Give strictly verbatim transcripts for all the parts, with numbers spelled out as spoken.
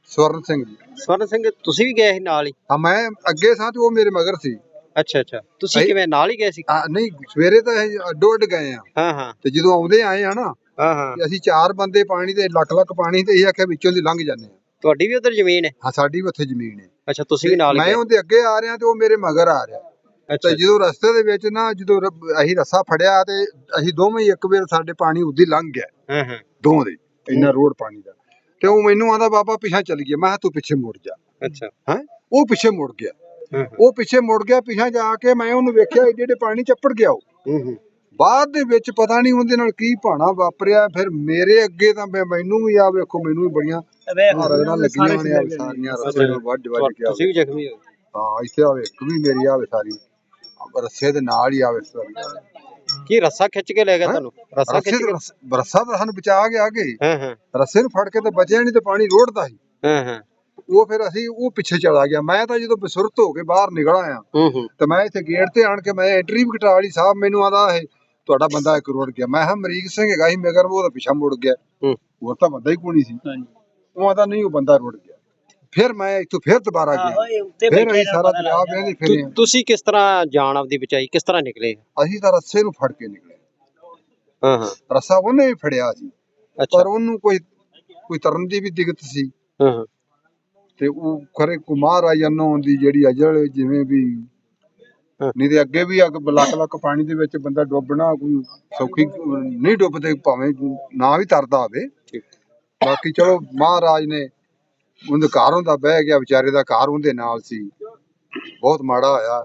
ਸਵਰਨ ਸਿੰਘ ਜੀ। ਸਵਰਨ ਸਿੰਘ ਤੁਸੀਂ ਵੀ ਗਏ ਸੀ ਨਾਲ ਹੀ? ਹਾਂ ਮੈਂ ਅੱਗੇ ਸਾਂ ਤੇ ਉਹ ਮੇਰੇ ਮਗਰ ਸੀ। ਅੱਛਾ ਅੱਛਾ, ਤੁਸੀਂ ਕਿਵੇਂ ਨਾਲ ਹੀ ਗਏ ਸੀ? ਹਾਂ ਨਹੀਂ ਸਵੇਰੇ ਤਾਂ ਇਹ ਅੱਡੋ ਅੱਡ ਗਏ ਆ। ਹਾਂ ਹਾਂ। ਤੇ ਜਦੋਂ ਆਉਂਦੇ ਆਏ ਆ ਨਾ ਹਾਂ ਹਾਂ, ਤੇ ਅਸੀਂ ਚਾਰ ਬੰਦੇ ਪਾਣੀ ਤੇ ਲੱਖ ਲੱਖ ਪਾਣੀ ਤੇ ਇਹ ਆਖਿਆ ਵਿੱਚੋਂ ਦੀ ਲੰਘ ਜਾਂਦੇ ਆ। ਤੁਹਾਡੀ ਵੀ ਉਧਰ ਜ਼ਮੀਨ ਹੈ? ਹਾਂ ਸਾਡੀ ਵੀ ਉੱਥੇ ਜ਼ਮੀਨ ਹੈ। ਅੱਛਾ, ਤੁਸੀਂ ਵੀ ਨਾਲ ਮੈਂ ਗਏ? ਉਹਦੇ ਅੱਗੇ ਆ ਰਿਹਾ ਤੇ ਉਹ ਮੇਰੇ ਮਗਰ ਆ ਰਿਹਾ। ਅੱਛਾ, ਤੇ ਜਦੋਂ ਰਸਤੇ ਦੇ ਵਿੱਚ ਨਾ ਜਦੋਂ ਅਸੀਂ ਰੱਸਾ ਫੜਿਆ ਤੇ ਅਸੀਂ ਦੋਵੇਂ ਇੱਕ ਵੇਰ ਸਾਡੇ ਪਾਣੀ ਉਦੀ ਲੰਘ ਗਿਆ। ਹਾਂ ਹਾਂ, ਦੋਵਾਂ ਦੇ ਇੰਨਾ ਰੋਡ ਪਾਣੀ ਦਾ। ਤੇ ਉਹ ਮੈਨੂੰ ਆਂਦਾ ਬਾਬਾ ਪਿੱਛਾ ਚੱਲ ਗਿਆ। ਮੈਂ ਕਿਹਾ ਤੂੰ ਪਿੱਛੇ ਮੁੜ ਜਾ। ਅੱਛਾ ਹੈ ਉਹ ਪਿੱਛੇ ਮੁੜ ਗਿਆ। ਹਾਂ ਉਹ ਪਿੱਛੇ ਮੁੜ ਗਿਆ। ਪਿੱਛਾ ਜਾ ਕੇ ਮੈਂ ਉਹਨੂੰ ਵੇਖਿਆ ਏਡੇ ਏਡੇ ਪਾਣੀ ਚੱਪੜ ਗਿਆ ਉਹ। ਹੂੰ ਹੂੰ, ਬਾਅਦ ਦੇ ਵਿੱਚ ਪਤਾ ਨਹੀਂ ਉਹਦੇ ਨਾਲ ਕੀ ਭਾਣਾ ਵਾਪਰਿਆ। ਫਿਰ ਮੇਰੇ ਅੱਗੇ ਤਾਂ ਮੈਂ ਮੈਨੂੰ ਵੀ ਆ ਵੇਖੋ ਮੈਨੂੰ ਵੀ ਬੜੀਆਂ ਰਗੜਾਂ ਲੱਗੀਆਂ ਨੇ ਆ ਸਾਰੀਆਂ ਰੱਸੇ ਨਾਲ ਵੱਢ ਵੱਢ ਕੇ। ਤੁਸੀਂ ਵੀ ਜ਼ਖਮੀ ਹੋ? ਹਾਂ ਇੱਥੇ ਆਵੇ ਇੱਕ ਵੀ ਮੇਰੀ ਆਵੇ ਸਾਰੀ ਰੱਸੇ ਦੇ ਨਾਲ ਹੀ ਆਵੇ ਸਾਰੀ। ਕੀ ਰੱਸਾ ਖਿੱਚ ਕੇ ਲੈ ਗਿਆ ਤੁਹਾਨੂੰ? ਰੱਸਾ ਖਿੱਚ ਕੇ? ਰੱਸਾ ਤਾਂ ਸਾਨੂੰ ਬਚਾ ਗਿਆ ਅੱਗੇ। ਹਾਂ ਹਾਂ, ਰੱਸੇ ਨੂੰ ਫੜ ਕੇ ਤਾਂ ਬਚਿਆ ਨਹੀਂ ਤੇ ਪਾਣੀ ਰੋੜਦਾ ਸੀ। ਹਾਂ ਹਾਂ, ਉਹ ਫਿਰ ਅਸੀਂ ਉਹ ਪਿੱਛੇ ਚਲਾ ਗਿਆ। ਮੈਂ ਤਾਂ ਜਦੋਂ ਬਸੁਰਤ ਹੋ ਕੇ ਬਾਹਰ ਨਿਕਲ ਆਇਆ ਹੂੰ ਹੂੰ, ਤੇ ਮੈਂ ਇੱਥੇ ਗੇਟ ਤੇ ਆਣ ਕੇ ਮੈਂ ਐਂਟਰੀ ਵੀ ਕਟਾ ਲਈ। ਸਾਹਿਬ ਮੈਨੂੰ ਆਦਾ ਇਹ ਤੁਹਾਡਾ ਬੰਦਾ ਇੱਕ ਰੋੜ ਗਿਆ। ਮੈਂ ਕਿਹਾ ਅਮਰੀਕ ਸਿੰਘ ਹੈਗਾ ਸੀ ਮਗਰ ਉਹਦਾ ਪਿੱਛਾ ਮੁੜ ਗਿਆ। ਹੂੰ, ਉਹ ਤਾਂ ਬੰਦਾ ਹੀ ਕੋਣੀ ਸੀ। ਉਹ ਆਦਾ ਨਹੀਂ ਉਹ ਬੰਦਾ ਰੁੜ ਗਿਆ। ਫਿਰ ਮੈਂ ਇੱਥੋਂ ਫਿਰ ਦੁਬਾਰਾ ਗਿਆ। ਫਿਰ ਅਸੀਂ ਸਾਰਾ ਦਰਿਆ ਵੇਂਦੇ ਫਿਰੇ। ਤੁਸੀਂ ਕਿਸ ਤਰ੍ਹਾਂ ਜਾਨ ਆਪਦੀ ਬਚਾਈ? ਕਿਸ ਤਰ੍ਹਾਂ ਨਿਕਲੇ? ਅਸੀਂ ਤਾਂ ਰੱਸੇ ਨੂੰ ਫੜ ਕੇ ਨਿਕਲੇ। ਹਾਂ ਹਾਂ, ਰੱਸਾ ਉਹਨੇ ਵੀ ਫੜਿਆ ਸੀ ਅੱਛਾ, ਪਰ ਉਹਨੂੰ ਕੋਈ ਕੋਈ ਤਰਨ ਦੀ ਵੀ ਦਿੱਕਤ ਸੀ। ਹਾਂ ਹਾਂ, ਤੇ ਉਹ ਖਰੇ ਕੁਮਾਰ ਆ ਜਨੋਂ ਦੀ ਜਿਹੜੀ ਅਜਲ ਜਿਵੇਂ ਵੀ ਨਹੀਂ ਤੇ ਅੱਗੇ ਵੀ ਅੱਗ ਲੱਖ ਲੱਖ ਪਾਣੀ ਦੇ ਵਿੱਚ ਬੰਦਾ ਡੁੱਬਣਾ ਕੋਈ ਸੌਖੀ ਨਹੀਂ ਡੁੱਬਦੇ ਭਾਵੇਂ ਨਾ ਵੀ ਤਰਦਾ ਹੋਵੇ। ਬਾਕੀ ਚਲੋ ਮਹਾਰਾਜ ਨੇ ਉਹਦੇ ਘਰ ਹੁੰਦਾ ਬਹਿ ਗਿਆ। ਵਿਚਾਰੇ ਦਾ ਘਰ ਉਹਦੇ ਨਾਲ ਸੀ। ਬਹੁਤ ਮਾੜਾ ਹੋਇਆ।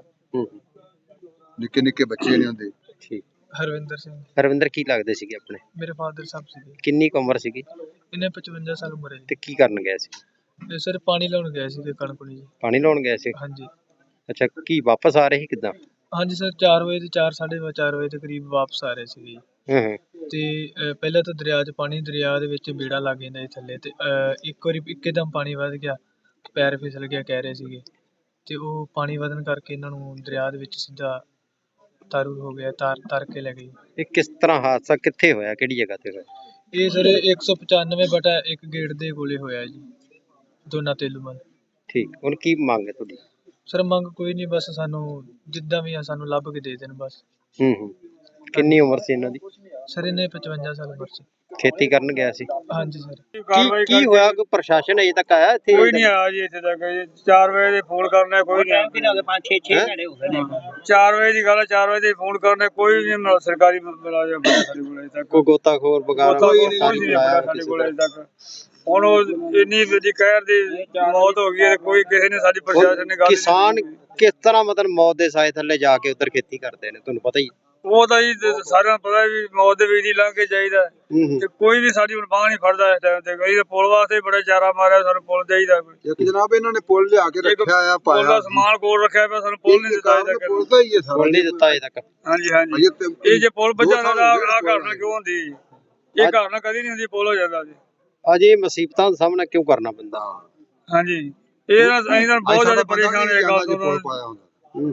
ਨਿੱਕੇ ਨਿੱਕੇ ਬੱਚੇ ਨੇ ਉਹਦੇ। ਠੀਕ। ਹਰਵਿੰਦਰ ਸਿੰਘ। ਹਰਵਿੰਦਰ ਕੀ ਲੱਗਦੇ ਸੀਗੇ ਆਪਣੇ? ਮੇਰੇ ਫਾਦਰ ਸਾਹਿਬ ਸੀਗੇ। ਕਿੰਨੀ ਕੁ ਉਮਰ ਸੀਗੀ? ਇਹਨੇ ਪਚਵੰਜਾ ਸਾਲ ਉਮਰ ਹੈ ਜੀ। ਤੇ ਕੀ ਕਰਨ ਗਏ ਸੀ? ਇਹ ਸਰ ਪਾਣੀ ਲਾਉਣ ਗਏ ਸੀਗੇ ਕਣਕਣੀ ਜੀ। ਪਾਣੀ ਲਾਉਣ ਗਏ ਸੀ? ਹਾਂਜੀ। ਅੱਛਾ, ਕੀ ਵਾਪਸ ਆ ਰਹੇ ਸੀ ਕਿੱਦਾਂ? ਹਾਂਜੀ ਸਰ, ਚਾਰ ਵਜੇ ਤੇ ਚਾਰ ਸਾਢੇ ਚਾਰ ਵਜੇ ਦੇ ਕਰੀਬ ਵਾਪਸ ਆ ਰਹੇ ਸੀਗੇ ਜੀ। ਹਾਂ ਹਾਂ, ਤੇ ਅਹ, ਪਹਿਲਾਂ ਤਾਂ ਦਰਿਆ 'ਚ ਪਾਣੀ ਦਰਿਆ ਦੇ ਵਿੱਚ ਬੇੜਾ ਲੱਗ ਜਾਂਦਾ ਜੀ ਥੱਲੇ। ਤੇ ਅਹ, ਇੱਕ ਵਾਰੀ ਇੱਕਦਮ ਪਾਣੀ ਵੱਧ ਗਿਆ, ਪੈਰ ਫਿਸਲ ਗਿਆ ਕਹਿ ਰਹੇ ਸੀਗੇ। ਤੇ ਉਹ ਪਾਣੀ ਵਧਣ ਕਰਕੇ ਇਹਨਾਂ ਨੂੰ ਦਰਿਆ ਦੇ ਵਿੱਚ ਸਿੱਧਾ ਤਾਰੂ ਹੋ ਗਿਆ। ਤਾਰ ਤਰ ਕੇ ਲੈ ਗਈ। ਇਹ ਕਿਸ ਤਰ੍ਹਾਂ ਹਾਦਸਾ ਕਿੱਥੇ ਹੋਇਆ? ਕਿਹੜੀ ਜਗ੍ਹਾ ਤੇ ਹੋਇਆ? ਇਹ ਸਰ ਇੱਕ ਸੌ ਪਚਾਨਵੇਂ ਬਟਾ ਇੱਕ ਗੇਟ ਦੇ ਕੋਲੇ ਹੋਇਆ ਜੀ, ਦੋਨਾ ਤੇਲੂਮਲ। ਠੀਕ। ਹੁਣ ਕੀ ਮੰਗ ਹੈ ਤੁਹਾਡੀ? ਸਰ ਮੰਗ ਕੋਈ ਨਹੀਂ, ਬਸ ਸਾਨੂੰ ਜਿੱਦਾਂ ਵੀ ਆ ਸਾਨੂੰ ਲੱਭ ਕੇ ਦੇ ਦੇਣ ਬਸ। ਹੂੰ ਹੂੰ, ਕਿੰਨੀ ਉਮਰ ਸੀ ਇਹਨਾਂ ਦੀ? ਸਰ ਇਹਨੇ ਪਚਵੰਜਾ ਸਾਲ ਉਮਰ ਸੀ। ਖੇਤੀ ਕਰਨ ਗਿਆ ਸੀ? ਹਾਂਜੀ ਸਰ। ਕੀ ਕੀ ਹੋਇਆ? ਕੋਈ ਪ੍ਰਸ਼ਾਸਨ ਅਜੇ ਤੱਕ ਆਇਆ ਇੱਥੇ? ਕੋਈ ਨਹੀਂ ਆਇਆ ਜੀ ਇੱਥੇ ਤੱਕ। ਚਾਰ ਵਜੇ ਦੇ ਫੋਨ ਕਰਨਾ ਕੋਈ ਨਹੀਂ ਆਇਆ। ਪੰਜ ਛੇ ਛੇ ਘੰਟੇ ਹੋ ਗਏ। ਚਾਰ ਵਜੇ ਦੀ ਗੱਲ ਹੈ, ਚਾਰ ਵਜੇ ਦੇ ਫੋਨ ਕਰਨਾ ਕੋਈ ਨਹੀਂ। ਸਰਕਾਰੀ ਮੁਲਾਜ਼ਮ ਸਾਡੇ ਕੋਲ ਅਜੇ ਤੱਕ ਕੋਈ ਗੋਤਾਖੋਰ ਵਗੈਰਾ ਕੋਈ ਨਹੀਂ ਆਇਆ ਸਾਡੇ ਕੋਲ ਅਜੇ ਤੱਕ। ਹੁਣ ਉਹ ਇੰਨੀ ਵੱਡੀ ਕਹਿਰ ਦੀ ਮੌਤ ਹੋ ਗਈ ਹੈ, ਕੋਈ ਕਿਸੇ ਨੇ ਸਾਡੀ ਪ੍ਰਸ਼ਾਸਨ ਨੇ ਗੱਲ। ਕਿਸਾਨ ਕਿਸ ਤਰ੍ਹਾਂ ਮਤਲਬ ਮੌਤ ਦੇ ਸਾਏ ਥੱਲੇ ਜਾ ਕੇ ਉੱਧਰ ਖੇਤੀ ਕਰਦੇ ਨੇ, ਤੁਹਾਨੂੰ ਪਤਾ ਹੀ? ਉਹ ਤਾਂ ਜੀ ਸਾਰਿਆਂ ਨੂੰ ਪਤਾ ਵੀ ਮੌਤ ਦੇ ਵਿੱਚ ਹੀ ਲੰਘ ਕੇ ਚਾਹੀਦਾ ਤੇ ਕੋਈ ਵੀ ਸਾਡੀ ਹੁਣ ਬਾਂਹ ਨਹੀਂ ਫੜਦਾ ਇਸ ਟਾਈਮ ਤੇ। ਕਈ ਤਾਂ ਪੁਲ ਵਾਸਤੇ ਬੜਾ ਚਾਰਾ ਮਾਰਿਆ, ਸਾਨੂੰ ਪੁਲ ਚਾਹੀਦਾ ਕੋਈ। ਇੱਕ ਜਨਾਬ ਇਹਨਾਂ ਨੇ ਪੁਲ ਲਿਆ ਕੇ ਰੱਖਿਆ ਆ ਪਾਇਆ। ਪੁਲ ਦਾ ਸਮਾਨ ਕੋਲ ਰੱਖਿਆ ਪਿਆ, ਸਾਨੂੰ ਪੁਲ ਨਹੀਂ ਦਿੱਤਾ ਅਜੇ ਤੱਕ। ਪੁਲ ਤਾਂ ਹੀ ਹੈ ਸਾਰਾ। ਪੁਲ ਨਹੀਂ ਦਿੱਤਾ ਅਜੇ ਤੱਕ? ਹਾਂਜੀ ਹਾਂਜੀ। ਇਹ ਜੇ ਪੁਲ ਵੱਜਣਾ ਤਾਂ ਆਹ ਘਟਨਾ ਕਿਉਂ ਹੁੰਦੀ? ਇਹ ਘਟਨਾ ਕਦੀ ਨਹੀਂ ਹੁੰਦੀ, ਪੁਲ ਹੋ ਜਾਂਦਾ ਜੀ। ਅਜੇ ਮੁਸੀਬਤਾਂ ਦਾ ਸਾਹਮਣਾ ਕਿਉਂ ਕਰਨਾ ਪੈਂਦਾ? ਹਾਂਜੀ, ਇਹ ਨਾ ਅਸੀਂ ਤਾਂ ਬਹੁਤ ਜ਼ਿਆਦਾ ਪਰੇਸ਼ਾਨ ਹੋਏ ਗੱਲ ਤੋਂ।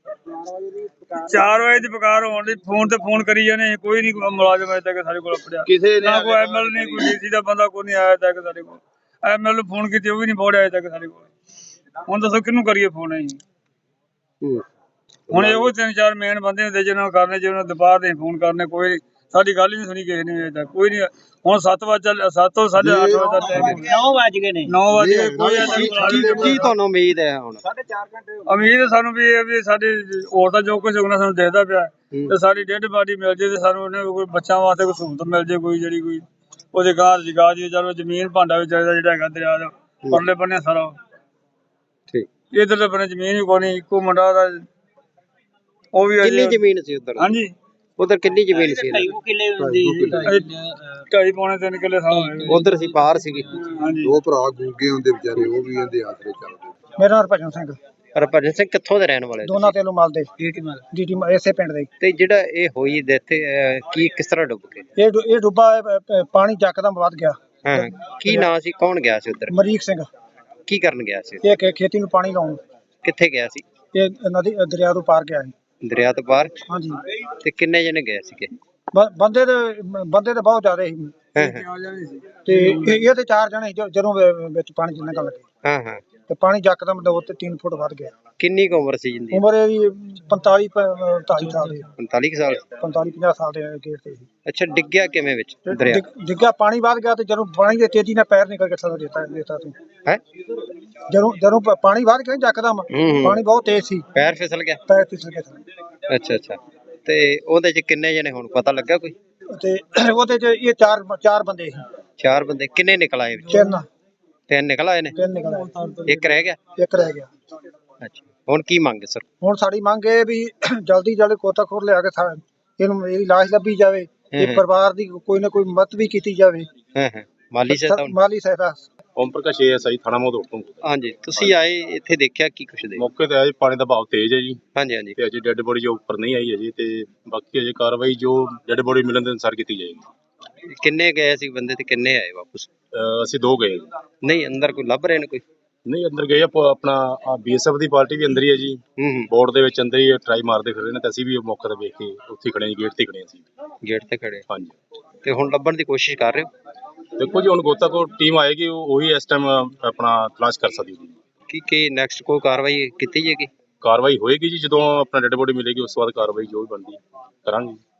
ਚਾਰ ਵਜੇ ਦੀ ਪੁਕਾਰ ਹੋਣ ਦੀ ਫੋਨ ਤੇ ਫੋਨ ਕਰੀ ਜਾਂਦੇ, ਕੋਈ ਨਹੀਂ ਮੁਲਾਜ਼ਮ ਅਜੇ ਤੱਕ ਸਾਡੇ ਕੋਲ ਪੜਿਆ। ਕਿਸੇ ਨਾ ਕੋਈ ਐਮਐਲ ਨਹੀਂ, ਕੋਈ ਡੀਸੀ ਦਾ ਬੰਦਾ ਕੋਈ ਨਹੀਂ ਆਇਆ ਤੱਕ ਸਾਡੇ ਕੋਲ। ਐਮਐਲ ਨੂੰ ਫੋਨ ਕੀਤੀ, ਉਹ ਵੀ ਨਹੀਂ ਪਹੁੰਚਿਆ ਅਜੇ ਤੱਕ ਸਾਡੇ ਕੋਲ। ਹੁਣ ਦੱਸੋ ਕਿਹਨੂੰ ਕਰੀਏ ਫੋਨ ਅਸੀਂ? ਹੁਣ ਇਹੋ ਤਿੰਨ ਚਾਰ ਮੇਨ ਬੰਦੇ ਹੁੰਦੇ ਜਿਹਨਾਂ ਨੂੰ ਕਰਨੇ, ਜਿਹਨਾਂ ਨੂੰ ਦੁਪਹਿਰ ਦੇ ਫੋਨ ਕਰਨੇ। ਕੋਈ ਸਾਡੀ ਗੱਲ ਹੀ ਨਹੀਂ ਸੁਣੀ ਕਿਸੇ ਨੇ ਅਜੇ ਤੱਕ, ਕੋਈ ਨਹੀਂ। ਹੁਣ ਸੱਤ ਵਜੇ ਸੱਤ ਤੋਂ ਸਾਢੇ ਅੱਠ ਵਜੇ ਦਾ ਟਾਈਮ ਹੋ ਗਿਆ। ਨੌ ਵੱਜ ਗਏ ਨੇ। ਨੌ ਵਜੇ ਕੋਈ ਅਜੇ ਤੱਕ ਕੀ ਤੁਹਾਨੂੰ ਉਮੀਦ ਹੈ ਹੁਣ? ਉਮੀਦ ਸਾਨੂੰ ਵੀ ਇਹ ਵੀ ਸਾਡੇ ਹੋਰ ਤਾਂ ਜੋ ਕੁਝ ਹੋਣਾ ਸਾਨੂੰ ਦਿਖਦਾ ਪਿਆ ਤੇ ਸਾਡੀ ਡੈਡ ਬਾਡੀ ਮਿਲ ਜੇ ਤੇ ਸਾਨੂੰ ਉਹਨੇ ਕੋਈ ਬੱਚਿਆਂ ਵਾਸਤੇ ਕੋਈ ਸਹੂਲਤ ਮਿਲ ਜੇ, ਕੋਈ ਜਿਹੜੀ ਕੋਈ ਉਹਦੇ ਘਰ ਜਗਾ ਜੀ। ਚਲੋ ਜ਼ਮੀਨ ਭਾਂਡਾ ਵੀ ਚਾਹੀਦਾ ਜਿਹੜਾ ਹੈਗਾ ਦਰਿਆ ਦਾ ਪਰਲੇ ਬੰਨੇ ਸਾਰਾ। ਠੀਕ। ਇਧਰਲੇ ਬੰਨੇ ਜ਼ਮੀਨ ਵੀ ਕੋਈ ਨਹੀਂ, ਇੱਕੋ ਮੁੰਡਾ ਦਾ ਉਹ ਵੀ। ਕਿੰਨੀ ਜ਼ਮੀਨ ਸੀ ਉਧਰ? ਹਾਂਜੀ, ਉਧਰ ਕਿੰਨੀ ਜ਼ਮੀਨ ਸੀ? ਢਾਈ ਪੌਣੇ ਤਿੰਨ ਕਿੱਲੇ ਸਾਲ ਉਧਰ ਸੀ, ਪਾਰ ਸੀਗੀ। ਹਾਂਜੀ, ਦੋ ਭਰਾ ਗੂੰਗੇ ਹੁੰਦੇ ਵਿਚਾਰੇ, ਉਹ ਵੀ ਇਹਦੇ ਆਸਰੇ ਚੱਲਦੇ। ਮੇਰਾ ਨਾਮ ਹਰਭਜਨ ਸਿੰਘ। ਹਰਭਜਨ ਸਿੰਘ ਕਿੱਥੋਂ ਦੇ ਰਹਿਣ ਵਾਲੇ? ਦੋਨਾ ਤੇਲੂਮਲ ਦੇ, ਡੀਟੀ ਇਸੇ ਪਿੰਡ ਦੇ। ਤੇ ਜਿਹੜਾ ਇਹ ਹੋਈ ਡੈਥ, ਕੀ ਕਿਸ ਤਰ੍ਹਾਂ ਡੁੱਬ ਗਏ? ਇਹ ਇਹ ਡੁੱਬਾ ਪਾਣੀ ਯਕਦਮ ਵੱਧ ਗਿਆ। ਹਾਂ, ਕੀ ਨਾਂ ਸੀ? ਕੌਣ ਗਿਆ ਸੀ ਉਧਰ? ਅਮਰੀਕ ਸਿੰਘ। ਕੀ ਕਰਨ ਗਿਆ ਸੀ? ਇਹ ਖੇਤੀ ਨੂੰ ਪਾਣੀ ਲਾਉਣ। ਕਿੱਥੇ ਗਿਆ ਸੀ? ਇਹ ਨਦੀ ਦਰਿਆ ਤੋਂ ਪਾਰ ਗਿਆ ਸੀ। ਦਰਿਆ ਤੋਂ ਪਾਰ? ਹਾਂਜੀ। ਤੇ ਕਿੰਨੇ ਜਣੇ ਗਏ ਸੀਗੇ? ਬੰਦੇ ਦੇ ਬੰਦੇ ਤੇ ਬਹੁਤ ਜ਼ਿਆਦਾ ਸੀ। ਤੇ ਇਹ ਇਹ ਤੇ ਚਾਰ ਜਣੇ ਜੋ- ਜਦੋਂ ਵ- ਵਿੱਚ ਪਾਣੀ ਚ ਨਿਕਲ ਲੱਗੇ ਹਾਂ ਹਾਂ ਤੇ ਪਾਣੀ ਯਕਦਮ ਦੋ ਤੇ ਤਿੰਨ ਫੁੱਟ ਵੱਧ ਗਿਆ। ਕਿੰਨੀ ਕੁ ਉਮਰ ਸੀ ਜਿੰਦੀ ਉਮਰ ਇਹਦੀ ਪੰਤਾਲੀ ਅੜਤਾਲੀ ਸਾਲ ਦੀ, ਪੰਤਾਲੀ ਕੁ ਸਾਲ ਪੰਤਾਲੀ ਪੰਜਾਹ ਸਾਲ ਦੇ ਗੇੜ ਤੇ ਸੀ। ਅੱਛਾ ਡਿੱਗਿਆ ਕਿਵੇਂ ਵਿੱਚ ਤੇ ਦਰਿਆ ਡਿੱਗ- ਡਿੱਗਿਆ, ਪਾਣੀ ਵੱਧ ਗਿਆ ਤੇ ਜਦੋਂ ਪਾਣੀ ਦੇ ਤੇਜ਼ੀ ਨਾਲ ਪੈਰ ਨਿਕਲ ਕੇ ਥੱਲੇ ਦਿੱਤਾ ਦਿੱਤਾ ਤੂੰ ਹੈ ਜਦੋਂ ਜਦੋਂ ਪ- ਪਾਣੀ ਵੱਧ ਗਿਆ ਯਕਦਮ, ਹੂੰ। ਪਾਣੀ ਬਹੁਤ ਤੇਜ਼ ਸੀ, ਪੈਰ ਫਿਸਲ ਗਿਆ ਪੈਰ ਫਿਸਲ ਕੇ ਥੱਲੇ। ਅੱਛਾ ਅੱਛਾ ਤੇ ਉਹਦੇ ਚ ਕਿੰਨੇ ਜਣੇ ਹੁਣ ਪਤਾ ਲੱਗਾ ਕੋਈ ਤੇ ਉਹਦੇ ਚ ਇਹ ਚਾਰ ਚਾਰ ਬੰਦੇ ਸੀ, ਚਾਰ ਬੰਦੇ ਕਿੰਨੇ ਨਿਕਲ ਆਏ ਵਿੱਚ ਤਿੰਨ ਤਿੰਨ ਨਿਕਲ ਆਏ ਨੇ ਤਿੰਨ ਨਿਕਲ ਆਏ, ਇੱਕ ਰਹਿ ਗਿਆ ਇੱਕ ਰਹਿ ਗਿਆ। ਅੱਛਾ ਹੁਣ ਕੀ ਮੰਗ ਸਰ ਹੁਣ ਸਾਡੀ ਮੰਗ ਇਹ ਵੀ ਜਲਦੀ ਜਲਦੀ ਗੋਤਾਖੋਰ ਲਿਆ ਕੇ ਸਾ- ਇਹਨੂੰ ਇਹਦੀ ਲਾਸ਼ ਲੱਭੀ ਜਾਵੇ, ਹੂੰ ਇਹ ਹੂੰ। ਪਰਿਵਾਰ ਦੀ ਕੋਈ ਨਾ ਕੋਈ ਮਦਦ ਵੀ ਕੀਤੀ ਜਾਵੇ, ਹਾਂ ਹਾਂ ਮਾਲੀ ਸਹਾਇਤਾ ਹੁਣ- ਮਾਲੀ ਸਹਾਇਤਾ। ਓਮ ਪ੍ਰਕਾਸ਼ ਏ ਐਸ ਆਈ ਥਾਣਾ ਮੋਦੋੜ ਤੋਂ। ਹਾਂਜੀ ਤੁਸੀਂ ਆਏ ਇੱਥੇ ਦੇਖਿਆ ਕੀ ਕੁਛ ਦੇ ਮੌਕੇ ਤੇ ਆਏ, ਪਾਣੀ ਦਾ ਬਹਾਅ ਤੇਜ਼ ਹੈ ਜੀ ਹਾਂਜੀ ਹਾਂਜੀ ਤੇ ਅਜੇ ਡੈੱਡ ਬੋਡੀ ਜੋ ਉੱਪਰ ਨਹੀਂ ਆਈ ਅਜੇ, ਤੇ ਬਾਕੀ ਅਜੇ ਕਾਰਵਾਈ ਜੋ ਡੈੱਡ ਬੋਡੀ ਮਿਲਣ ਦੇ ਅਨੁਸਾਰ ਕੀਤੀ ਜਾਏਗੀ। ਕਿੰਨੇ ਗਏ ਸੀ ਬੰਦੇ ਤੇ ਕਿੰਨੇ ਆਏ ਵਾਪਸ ਅਹ ਅਸੀਂ ਦੋ ਗਏ ਜੀ। ਨਹੀਂ ਅੰਦਰ ਕੋਈ ਲੱਭ ਰਹੇ ਨੇ ਕੋਈ ਨਹੀਂ ਅੰਦਰ ਗਏ ਆ, ਪ- ਆਪਣਾ ਬੀ ਐਸ ਐਫ ਦੀ ਪਾਰਟੀ ਵੀ ਅੰਦਰ ਹੀ ਹੈ ਜੀ, ਹੂੰ ਹੂੰ ਬੋਰਡ ਦੇ ਵਿੱਚ ਅੰਦਰ ਹੀ ਟਰਾਈ ਮਾਰਦੇ ਫਿਰ ਰਹੇ ਨੇ, ਤੇ ਅਸੀਂ ਵੀ ਉਹ ਮੌਕੇ ਤੇ ਵੇਖ ਕੇ ਉੱਥੇ ਖੜੇ ਹਾਂ, ਗੇਟ ਤੇ ਖੜੇ ਹਾਂ ਅਸੀਂ। ਗੇਟ ਤੇ ਖੜੇ ਹਾਂਜੀ ਤੇ ਹੁਣ ਲੱਭਣ ਦੀ ਕੋਸ਼ਿਸ਼ ਕਰ ਰਹੇ ਹੋ ਦੇਖੋ ਜੀ, ਹੁਣ ਗੋਤਾਖੋਰ ਟੀਮ ਆਏਗੀ, ਉਹ ਉਹੀ ਇਸ ਟਾਈਮ ਆਪਣਾ ਤਲਾਸ਼ ਕਰ ਸਕਦੀ ਹੈ। ਕੀ ਕੀ ਨੈਕਸਟ ਕੋਈ ਕਾਰਵਾਈ ਕੀਤੀ ਜਾਏਗੀ ਕਾਰਵਾਈ ਹੋਏਗੀ ਜੀ, ਜਦੋਂ ਆਪਣਾ ਡੈੱਡ ਬੋਡੀ ਮਿਲੇਗੀ ਉਸ ਤੋਂ ਬਾਅਦ ਕਾਰਵਾਈ ਜੋ ਵੀ ਬਣਦੀ ਕਰਾਂਗੇ।